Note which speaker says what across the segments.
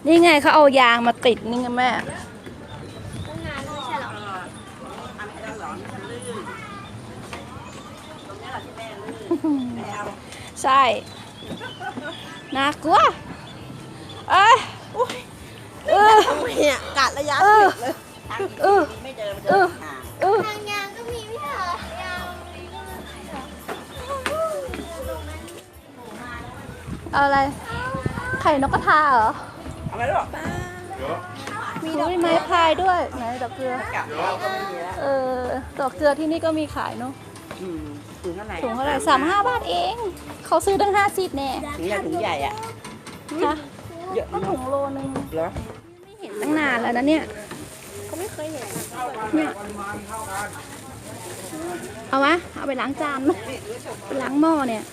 Speaker 1: นี่ไงเขาเอายางมาติดนี่ไงแม่
Speaker 2: ตั้งนานแล้วไม่ใช่หรอ
Speaker 1: ใช่น่ากลัวเอ้ย
Speaker 2: ทำไมเนี่ยกะระยะผิดเลย
Speaker 3: ไม่เจอมันจะห่าง
Speaker 2: ทางยางก็มีไม่ใช่เหรอยางมีก็ไม่ใช่เหรอ
Speaker 1: เอาอะไรไข่นกกระทาเหรอ
Speaker 3: เอาไปหรอก
Speaker 1: มีดอกไม้พายด้วยไหนดอกเกลือ
Speaker 3: กลับเราก็ไม่มีแล้ว
Speaker 1: ดอกเกลือที่นี่ก็มีขายเนาะ
Speaker 3: ถุงเท่าไหร่
Speaker 1: ถุงเท่าไหร่35 บาทเองเขาซื้อตั้ง50แน่
Speaker 3: ถุงใหญ่อ่ะ
Speaker 1: ฮะ
Speaker 3: เยอะ
Speaker 1: ก็ถุงโลนึง
Speaker 3: เหรอ
Speaker 1: ไม่เห็นตั้งนานแล้วนะเนี่ย
Speaker 2: เขาไม่เคยเห็น
Speaker 1: เนี่ยเอาวะเอาไปล้างจานไหมไปล้างหม้อเนี่ย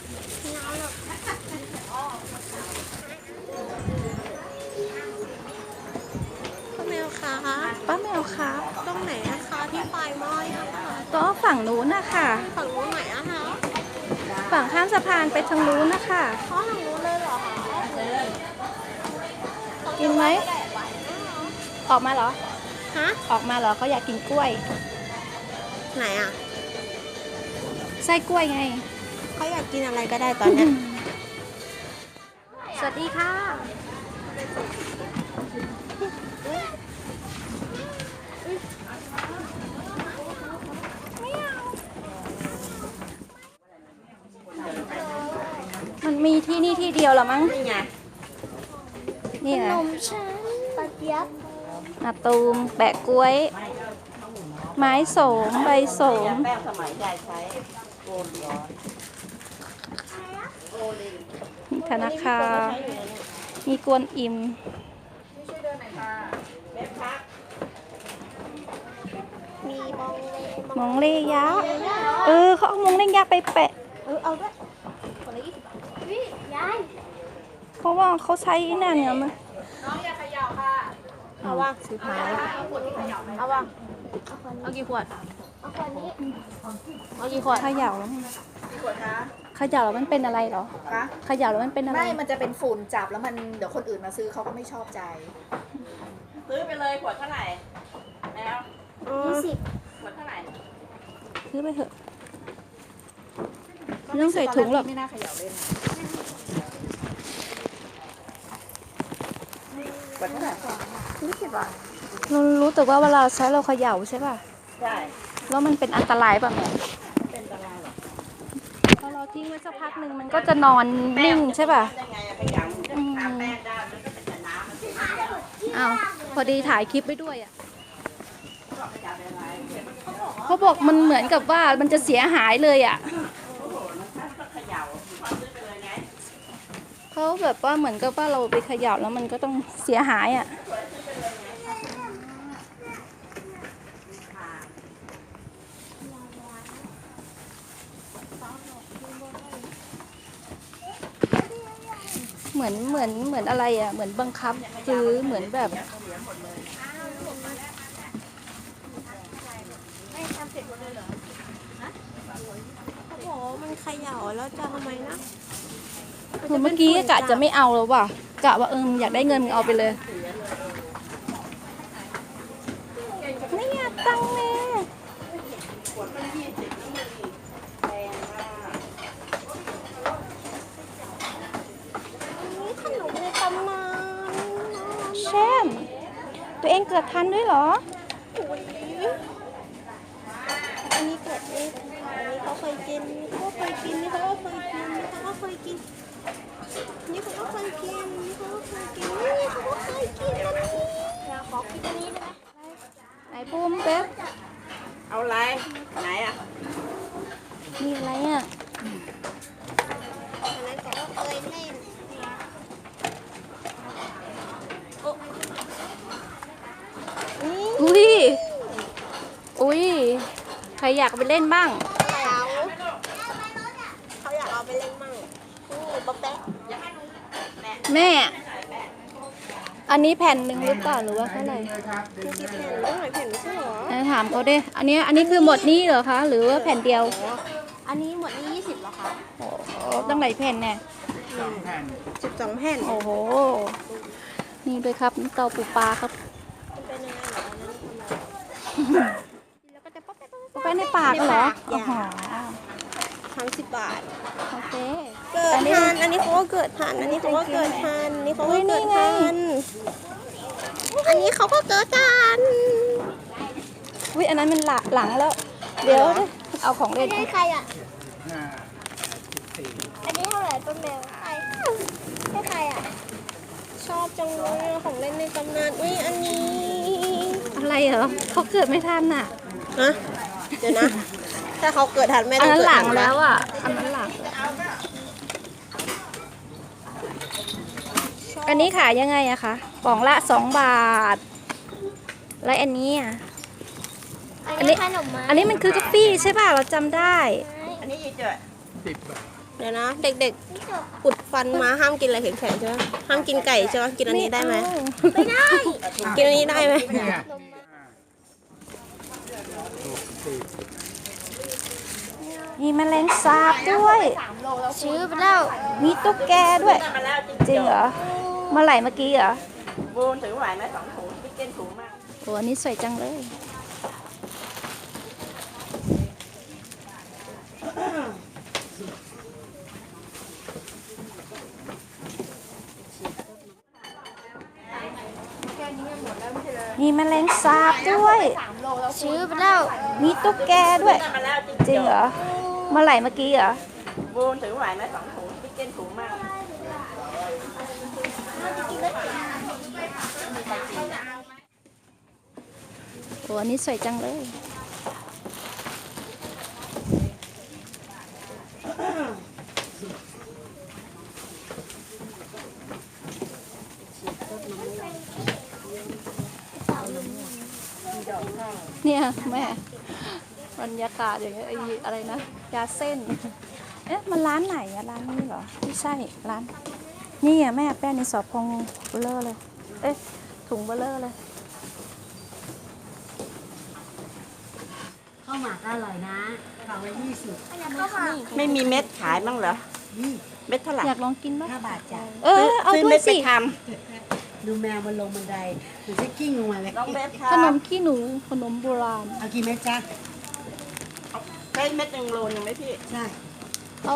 Speaker 2: พ่อแมวคะ
Speaker 1: ป้าแมวครับ
Speaker 2: ตรงไหนนะคะที่ปลายไม้อะค่ะ
Speaker 1: ก็ฝั่งนู้นนะคะ
Speaker 2: ฝั่งนู้นไหนอะคะ
Speaker 1: ฝั่งข้ามสะพานไปทางนู้นนะคะ
Speaker 2: เพราะทางนู้นเลยเหรอคะ
Speaker 1: กินไหมออกมาเหรอ
Speaker 2: ฮะ
Speaker 1: ออกมาเหรอเขาอยากกินกล้วย
Speaker 2: ไหนอะ
Speaker 1: ไส้กล้วยไง
Speaker 2: เขาอยากกินอะไรก็ได้ตอนเนี้ย
Speaker 1: สวัสดีค่ะมันมีที่นี่ที่เดียวเหรอมั้ง
Speaker 3: นี่ไง
Speaker 1: นี่ไง
Speaker 2: นมฉันปลาเจี๊ยบ
Speaker 1: นาตูมแปะกล้วย ไม้โสมใบโสม
Speaker 3: แป้งสมัยยายใช้โกนร้อน
Speaker 1: มีธนาคารมีกวนอิม
Speaker 2: มีบองเล
Speaker 1: มองเล่ยักษ์เขาเอามองเล่ยักษ์ไปแปะ
Speaker 2: เอาด้วยคนละ20 บาทวิยาย
Speaker 1: เพราะว่าเขาใช้นั่นเนี่ยมัน
Speaker 2: เอาว่างซื้อพายเอาว่างเอากี่ขวด เอาขวดนี้ เอากี่ขวด
Speaker 1: เขย่าแล้วมันเขย่าแล้วมันเป็นอะไรเหรอ
Speaker 4: คะ
Speaker 1: เขย่าแล้วมันเป็นอะไร
Speaker 4: ไม่ มันจะเป็นฝุ่นจับแล้วมันเดี๋ยวคนอื่นมาซื้อเขาก็ไม่ชอบใจ
Speaker 3: ซื้อไปเลยขวดเท่าไหร่แล้ว
Speaker 2: 20
Speaker 3: ขวดเท่าไหร่
Speaker 1: ซื้อไปเถอะไม่ต้องใส่ถุงหรอก
Speaker 4: ไม่น่าเขย่าเล่น
Speaker 3: ขวดเท่าไหร่
Speaker 2: 20 บาท
Speaker 1: เรารู้แต่ว่าเวลาใช้เราเขย่าใช่ป่ะ
Speaker 3: ใช่
Speaker 1: แล้วมันเป็นอันตรายป่ะแม่
Speaker 3: เป็นตารางหรอ
Speaker 1: พอเราทิ้งไว้สักพักหนึ่งมันก็จะนอนนิ่งใช่ป่ะ
Speaker 3: ยังไงอะขยำทาแป้งได้มันก็เป็นแต่น้ำมันเป็น
Speaker 1: อ้าวพอดีถ่ายคลิปไว้ด้วยอ่ะ
Speaker 3: ขยำเป็นอะไร
Speaker 1: เขาบอกมันเหมือนกับว่ามันจะเสียหายเลยอ่ะ
Speaker 3: ก็เขย่าซื้อไปเลยไง
Speaker 1: เขาแบบว่าเหมือนกับว่าเราไปเขย่าแล้วมันก็ต้องเสียหายอ่ะ เหมือนอะไรอ่ะ เหมือนบังคับซื้อเหมือนแบบ
Speaker 2: เขาบอกว่ามันเขย่าแล้วจะทำไมนะ
Speaker 1: เมื่อกี้กะจะไม่เอาแล้วว่ะกะว่าอยากได้เงินมึงเอาไปเลยไม่อยากตังค์แม่
Speaker 2: ขนมในตำนาน
Speaker 1: แช่มตัวเองเกิดทันด้วยเหรอ
Speaker 2: อันนี้เกิดเองอันนี้เขาเคยกินนี่เขาเคยกินนี่เขาก็เคยกินนี่เขาก็เคยกินนี่เขาก็เคยกินนี่เขาก็เคยกินนี่เขาก็เคยกินอันนี้อยากขอกินอันนี้ได้ไหม
Speaker 1: ไหนปุ้มเป๊บ
Speaker 3: เอาอะไรไหนอ่ะ
Speaker 1: มีอะไรอ่ะ
Speaker 2: อันนั้นเขาก็เคยเล่น
Speaker 1: อุ้ยอุ้ยใครอยากไปเล่นบ้าง
Speaker 2: เขาอยากเอาไปเล่นมั่งนี่ป๊อปแป๊ะ
Speaker 1: แม่ อันนี้แผ่นหนึ่งหรือเปล่าหรือว่าเท่าไหร่
Speaker 2: มีกี่แผ่นเรื่องไหนแผ่นไม่ใช่เหรอ
Speaker 1: ถามเขาดิอันนี้คือหมดนี้เหรอคะ หรือว่าแผ่นเดียว
Speaker 2: อันนี้หมดนี้20เหรอคะ
Speaker 1: ตั้งหลายแผ่นแน่
Speaker 2: 12 แผ่น
Speaker 1: โอ้โห นนี่ด้วยครับน้ำเต้าปูปลาครับ
Speaker 2: มันเป็นยังไงเหรออันนั้นแล้วก็จะป๊อป
Speaker 1: ไปในปากเหรอ
Speaker 2: ใน
Speaker 1: อ๋
Speaker 2: ปา
Speaker 1: อก
Speaker 2: 30 บาท
Speaker 1: โอเค
Speaker 2: เกิดทัน อันนี้เขาก็เกิดทัน อันนี้เขาก็เกิดทัน อันนี้เขาก็เกิดทัน อันนี้เขาก็เกิดทัน
Speaker 1: วิอันนั้นมันหลังแล้ว เดี๋ยวเอาของเล่น
Speaker 2: ให้ใครอ่ะ อันนี้เท่าไหร่ต้นแมวใครให้ใครอ่ะ ชอบจังเลยอะของเล่นในตำนาน อุ้ยอันนี้
Speaker 1: อะไรเหรอเขาเกิดไม่ทันน่ะ
Speaker 2: ฮะเดี๋ยวนะ ถ้าเขาเกิดทันแม่
Speaker 1: อั
Speaker 2: ต้
Speaker 1: น
Speaker 2: อง
Speaker 1: นั้น
Speaker 2: เกิด
Speaker 1: หลั
Speaker 2: ทั
Speaker 1: ง
Speaker 2: น
Speaker 1: แล้วอ่ะอันนั้นหลังอันนี้ขายยังไงอะคะกล่องละ2 บาท แล้วอันนี้อะ อันนี้
Speaker 2: ขนมมา
Speaker 1: อันนี้มันคือกาแฟใช่ป่ะเราจำได้
Speaker 3: อันนี้ยีเจอ
Speaker 2: เดี๋ยวนะ เด็กๆ อุดฟันมาห้ามกินอะไรแข็งๆใช่ไหมห้ามกินไก่ใช่ไหมกินอันนี้ได้ไหม
Speaker 1: ไม่ได้
Speaker 2: กินอันนี้ได้ไหม
Speaker 1: มีแมลงสาบด้วย
Speaker 2: ซื้อไปแล้ว
Speaker 1: มีตุ๊กแกด้วย
Speaker 3: ได้มาแล้ว
Speaker 1: จริงเหรอเมื่อไหร่เมื่อกี้เหรอ
Speaker 3: บูนถือไหวไหม2 ถุงพี่เก้นถุงมาก
Speaker 1: โอ้อันนี้สวยจังเลย มีแมลงสาบด้วย
Speaker 2: ซื้อไปแล้ว
Speaker 1: มีตุ๊กแกด้วย
Speaker 3: ได้มาแล้ว
Speaker 1: จริงเหรอเมื่อไหร่เมื่อกี้เหรอ
Speaker 3: บูนถือไหวไหม2 ถุงพี่เก้นถุงมาก
Speaker 1: โอ้อันนี้สวยจังเลย เนี่ยแม่บรรยากาศอย่างเงี้ยไอ้อะไรนะยาเส้น เอ๊ะมันร้านไหนอะร้านนี้เหรอไม่ใช่ร้าน นี่อะแม่แป้งในสอบพองเบลเลอร์เลย เอ๊ะถุงเบลเลอร์เลย
Speaker 5: ข้าวหมากอร่อยนะกล่องละ20
Speaker 3: ไม่มีเม็ดขายบ้างเหรอ เม็ดเท่าไหร่
Speaker 1: อยากลองกินบ้าง
Speaker 5: 5 บาทจ้ะ
Speaker 1: เออเอา
Speaker 3: ซื้อ
Speaker 1: ด้ว
Speaker 3: เม็
Speaker 1: ย
Speaker 3: ดไป
Speaker 1: สิ
Speaker 3: ท
Speaker 5: ดูแมวมันลงบันไดหรือจะกิ้งลงมาเลย
Speaker 3: ำน้องเม็ดครั
Speaker 1: ขน
Speaker 3: บ
Speaker 1: มขี้หนูขนมโบราณ
Speaker 5: เอากี่เม็ดจ้ะ
Speaker 3: ได้เม็ด1 โลนึงไหมพี่
Speaker 5: ใช่
Speaker 1: เอา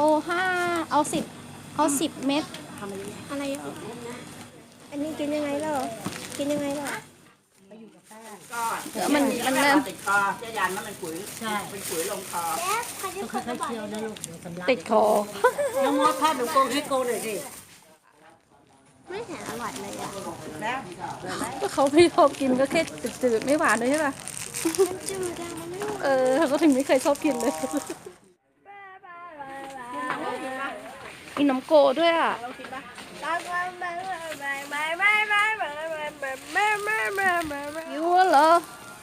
Speaker 1: 10 เม็ด
Speaker 3: ทำอะไร
Speaker 2: อะไรอ่ะ อันนี้กินยังไงล่ะกินยังไงล่ะ
Speaker 3: ก็
Speaker 1: เดี๋ยวมัน
Speaker 3: ติดคอจะยันว่ามันขุย
Speaker 5: ใช่
Speaker 3: เป็นขุยลงคอ
Speaker 5: ต้องค่อยๆเคี้ยวนะลูกเดี๋ยวสำลัก
Speaker 1: ติดคอ
Speaker 5: น้องมดทอดหนูโกงให้โกงหน่อยสิ
Speaker 2: ไม่เห็นอร่อยเลยอ่ะ
Speaker 3: แล้ว
Speaker 1: ก็เขาไม่ชอบกินก็แค่จืดๆไม่หวานเลยใช่ป่ะ
Speaker 2: มันจืดอ่ะมันไม่หวาน
Speaker 1: เออเขาถึงไม่เคยชอบกินเลยมีน้ำโกด้วยอ่ะยูเหรอ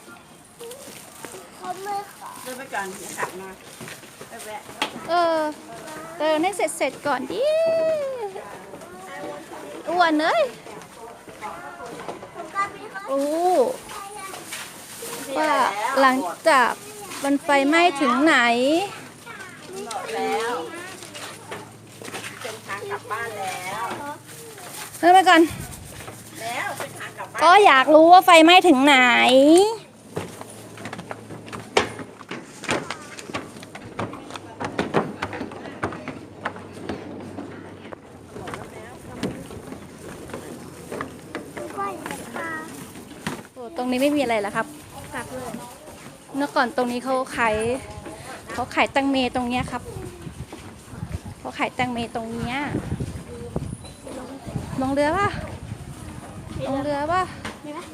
Speaker 3: เดินไปก่อนเดี๋ยวกลับมาไปแวะ
Speaker 1: เออให้เสร็จก่อนดิอ้วนเลยโอ้ว่าหลังจากมันไฟไหม้ถึงไหน
Speaker 3: หมดแล้วเป็นทางกลับบ้านแล้ว
Speaker 1: เริ่มไปก่อน
Speaker 3: แล้วเป็นทางกลับบ้าน
Speaker 1: ก็อยากรู้ว่าไฟไหม้ถึงไหน โอ้ตรงนี้ไม่มีอะไรแล้วครับ
Speaker 2: กลับเลย
Speaker 1: เมื่อก่อนตรงนี้เขาขายแตังเมตรงเนี้ยครับเขาขายแตังเมตรงเนี้ยลงเรือป่ะลงเรือป่ะ
Speaker 2: มีไหม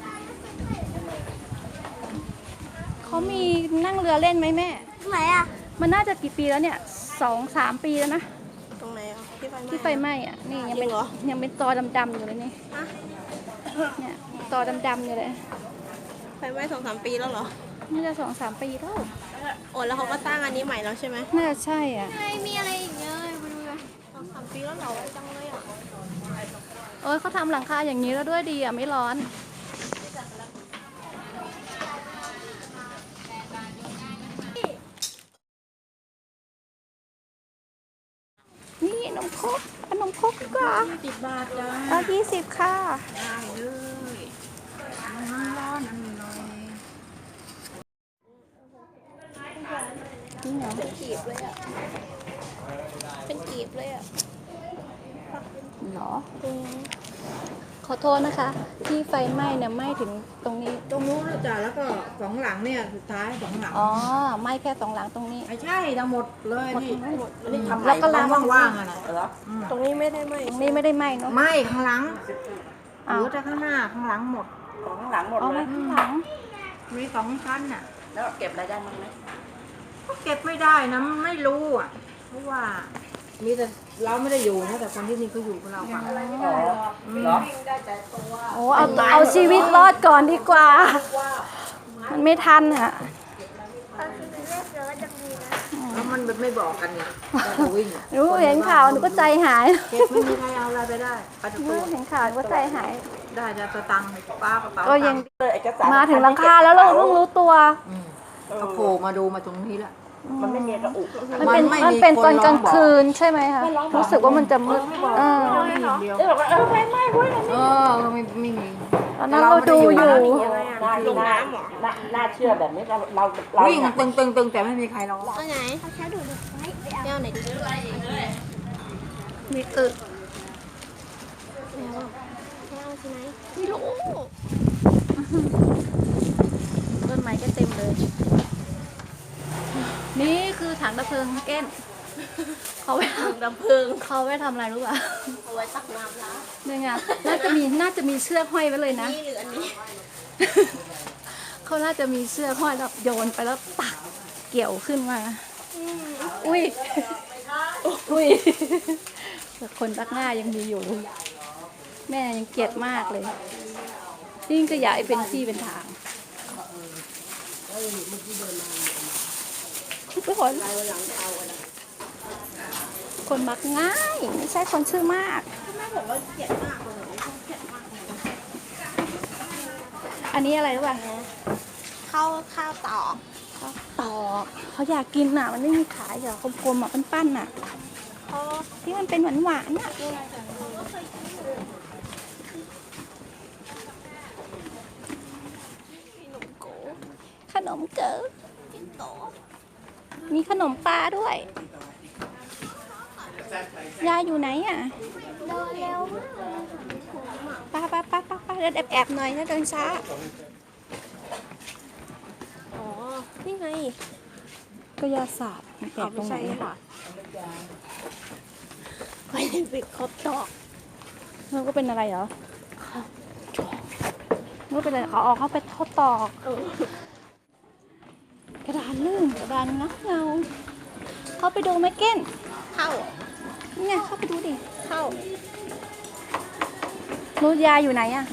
Speaker 1: เขามีนั่งเรือเล่นไหมแม่
Speaker 2: ตรงไหนอ่ะ
Speaker 1: มันน่าจะกี่ปีแล้วเนี่ย2-3 ปีแล้วนะ
Speaker 2: ตรงไหนอ่ะที่ไฟไหม้
Speaker 1: ที่ไฟไหม้อ่ะนี่ยังเป็น
Speaker 2: จริงเหรอ
Speaker 1: ยังเป็นตอดำๆอยู่เลยนี่
Speaker 2: ฮะ
Speaker 1: เนี่ยตอดำๆอยู่เลย
Speaker 2: ไฟไหม้2-3 ปีแล้วเหรอ
Speaker 1: น่าจะ2-3 ปีแล้ว
Speaker 2: โอ้แล้วเขาก็สร้างอันนี้ใหม่แล้วใช่ไหม
Speaker 1: น่าจะใช่อ่ะ
Speaker 2: มีอะไรอีกเยอะไปดูกัน2-3 ปีแล้วเหรอจังเลยอ่ะ
Speaker 1: เอ้ยเขาทำหลังคาอย่างนี้แล้วด้วยดีอ่ะไม่ร้อน นี่น้องโคครกขนมครกดีกว่า
Speaker 3: 10 บาทจ้า
Speaker 1: เอา20ค่ะ
Speaker 3: ได้เลยร้อนอร่อย
Speaker 1: นี่เหรอ
Speaker 2: เป็นกีบเลยอ่ะเป็นกีบเลยอ่ะ
Speaker 1: เหรอขอโทษนะคะ ที่ไฟไหม้เนี่ยไหม้ถึงตรงนี้
Speaker 3: ตรงนู้นแล้วจ้ะแล้วก็สองหลังเนี่ยสุดท้ายสองหลัง
Speaker 1: อ๋อไหม้แค่2 หลังตรงนี้
Speaker 3: ไม่ใช่ทั้งหมดเลยนี่
Speaker 2: อันนี้ทำ
Speaker 1: แล้วก็ลาม
Speaker 3: ว่างๆอ่ะนะ
Speaker 2: เหรอตรงนี้ไม่ได้ไหม
Speaker 1: ตรงนี้ไม่ได้ไหม้เนาะ
Speaker 3: ไม่ข้างหลังเห
Speaker 1: อ้าว
Speaker 3: ลือแต่ข้างหน้าข้างหลังหมด
Speaker 2: ของข้างหลังหมด
Speaker 1: เอา
Speaker 2: เล
Speaker 1: ไว้
Speaker 2: ย
Speaker 1: ข้างหลัง
Speaker 3: มี2 ชั้นน่ะ
Speaker 2: แล้วเก็บรายได้มั้งไหม
Speaker 3: ก็เก็บไม่ได้นะไม่รู้อ่ะเพราะว่ามีแต่เราไม่ได้อยู่นะแต่คนที่นี่เขาอยู่กับเราฝั่ง
Speaker 2: อ๋อเหรอ
Speaker 1: โอ้เอาชีวิตรอดก่อนดีกว่า มันไม่ทันอ่ะ
Speaker 3: แล้วมันไม่บอกกันเนี่ยเราก็วิ่ง
Speaker 1: รู้เห็นข่าวหนูก็ใจหาย
Speaker 3: เก็บไม่มีใครเอาอะไรไปได้ไปทุกตัว
Speaker 1: เห็นข่าวหนูก็ใจหาย
Speaker 3: ได้จะสตังค์ป้ากระเป๋า
Speaker 1: ก็ยัง
Speaker 2: เอกสาร
Speaker 1: มาถึงหลังคาแล้วเราเพิ่งรู้ตัว
Speaker 3: ก็โผล่มาดูมาตรงนี้แหละ
Speaker 2: มันไม่มีกระอุก
Speaker 1: มันเป็น
Speaker 3: มันไม่มี
Speaker 1: มันเป็นตอน
Speaker 3: คนร้อง
Speaker 1: กลาง
Speaker 3: บอก
Speaker 1: คืนใช่ไหมคะรู้สึกว่ามันจะมืดเออ
Speaker 3: เดียว
Speaker 2: บอกว่าไม่เว้ย
Speaker 3: ไม่มี
Speaker 1: ตอนนั้นเราดูอยู่
Speaker 2: ลงน้ำเหรอน่าเชื่อแบบนี้เรา
Speaker 3: วิ่งตึงแต่ไม่มีใครร้อง
Speaker 2: เอาไหนเอาแค่ดูดูไว้เดี๋ยวไหนดิ
Speaker 1: มีตึก
Speaker 2: แล้วเอาใช่ไหมไม่รู้
Speaker 1: ต้นไม้ก็เต็มเลย นี่คือถังดับเพลิงเก้นเขาไปทำ
Speaker 2: น้ำผึ้ง
Speaker 1: เขาไปทำอะไรรู้ป่ะ
Speaker 2: เอาไว้ตักน้ำล้าง
Speaker 1: นี่ไงน่าจะมีเชือกห้อยไว้เลยนะ
Speaker 2: นี่หรืออันนี้
Speaker 1: เขาน่าจะมีเชือกห้อยแล้วโยนไปแล้วตักเกี่ยวขึ้นมา อุ้ย อุ้ยแต่คนรักหน้ายังมีอยู่ แม่ยังเกลียดมากเลยยิ่งจะอยากให้เป็นที่เป็นทางทุกคนมักง่ายไม่ใช่คนชื่อมาก อันนี้อะไรรู้ป่ะ
Speaker 2: ข้าวตอก
Speaker 1: ตอกเขาอยากกินอ่ะ มันไม่มีขายเหรอกลมๆอ่ะปั้นๆอ่ะ
Speaker 2: เขา
Speaker 1: ที่มันเป็นหวานๆอ่ะขนมเก๋อมีขนมปลาด้วย ยายอยู่ไหนอ่ะ
Speaker 2: เดินเร็ว
Speaker 1: ป้าเดินแอบๆหน่อยนะเดินช้า
Speaker 2: อ๋อนี่ไง
Speaker 1: ก็ยาศาสตร์มันแปลกตรงไหนอะ
Speaker 2: ไม่ได้ปิดครบดอก
Speaker 1: มันก็เป็นอะไรเหรอมันก็เป็นอะไรเขาไปทดตอกกระดานลื่นกระดานงับเงาเขาไปดูไหมเก้น
Speaker 2: เข้า
Speaker 1: เนี่ยเข้าไปดูดิ
Speaker 2: เข้า
Speaker 1: นูยาอยู่ไหนอะ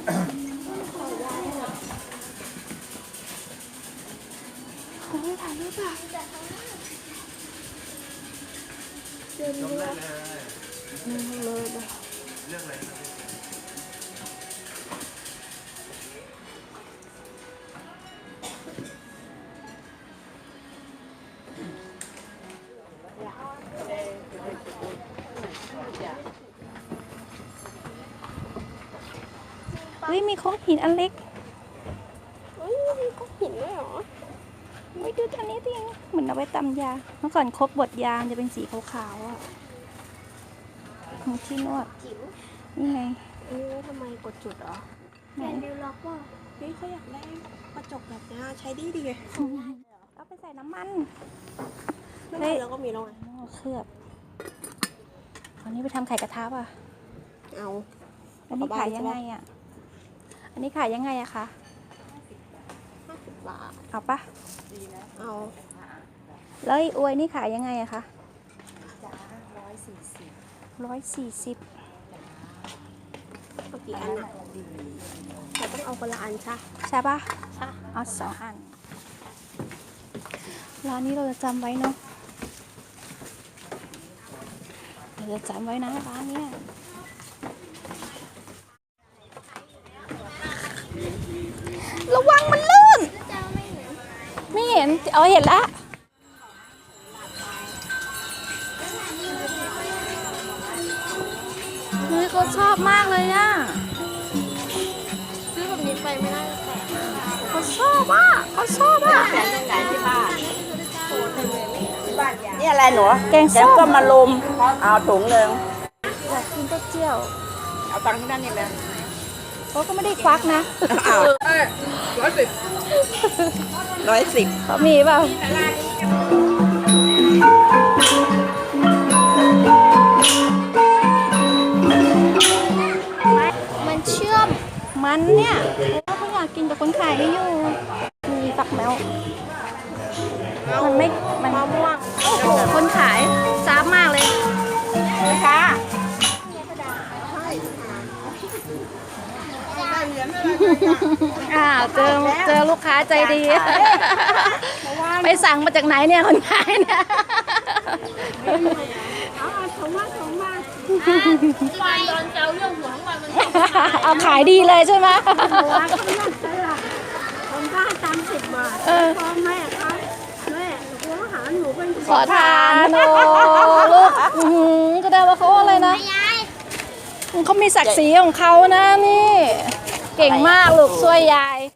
Speaker 1: โอ้ยถ่ายรูปอะเฮ้ยมีโค้งหินอันเล็ก
Speaker 2: เฮ้ยมีก้อนหินด้วยเหรอ
Speaker 1: ไม่ดูตัวนี้ดิเหมือนเอาไว้ตำยา เมื่อก่อนครบบดยามันจะเป็นสีขาวๆอ่ะของที่นวด
Speaker 2: จิ๋ว
Speaker 1: นี่ไง
Speaker 2: อันนี้ไว้ทำไมกดจุดเหรอ
Speaker 1: ไหน
Speaker 2: แกนดิวล็อกว่าเฮ้ยเขาอยากได้กระจกแบบนี้ใช้ดีดีไง
Speaker 1: เอาไปใส่น้ำมัน
Speaker 2: ไม่ได้แล้วก็มีแล้วไง
Speaker 1: หม้อเคลือบอันนี้ไปทำไข่กระทะป่ะ
Speaker 2: เอา
Speaker 1: อันนี้ขายยังไงอ่ะ อันนี้ขายยังไงอะคะ
Speaker 2: 50 บาท
Speaker 1: เอาปะ
Speaker 2: เอา
Speaker 1: แล้วไอ้อวยนี่ขายยังไงอะคะ
Speaker 4: จ้า
Speaker 1: 140
Speaker 2: เอากี่อันอ่ะแต่ต้องเอาคนละอันใช่
Speaker 1: ใช่ปะ
Speaker 2: ใช่
Speaker 1: เอา2 อัน ร้านนี้เราจะจำไว้เนาะเราจะจำไว้นะร้านเนี้ยระวังมันลื่น ไม่เห็น เอาเห็นแล้วเขาชอบมากเลยอ่ะ
Speaker 2: ซื้อแบบนี้ไปไม่ได้แต่
Speaker 1: เขาชอบอ่ะเขาชอบอ่ะ
Speaker 4: แขนตรงไหนที่บ้าน
Speaker 5: นี่อะไรหนู
Speaker 1: แกง
Speaker 5: แก
Speaker 1: ส้
Speaker 5: ง
Speaker 1: ม
Speaker 5: ก็มาลุมเอาถุงหนึ่ง
Speaker 1: อยากกินเต้าเจี้ยว
Speaker 5: เอาตังค์ที่นั่นนี่แหละ
Speaker 1: เขาก็ไม่ได้ควักนะ
Speaker 5: 110
Speaker 1: เขามีเปล่ามันเชื่อมมันเนี่ยเขาอยากกินแต่คนขายไม่อยู่มีฝักแมวมันไม่มันมะม่วงโอ้โหคนขายจ้าบมากเลยนะคะเจอลูกค้าใจดี ไปสั่งมาจากไหนเนี่ยคนขายเนี่ยเอาขายดีเลยใช่ไหม
Speaker 2: ผมก็ให้ตังค์10 บาทพ่อแม่เขาแม่หนูหาหนูเป็น
Speaker 1: ขอทานโอ้ลูกก็ได้ว่าเขาอะไรนะเขามีศักดิ์ศรีของเขานะนี่ เก่งมากลูกช่วยยาย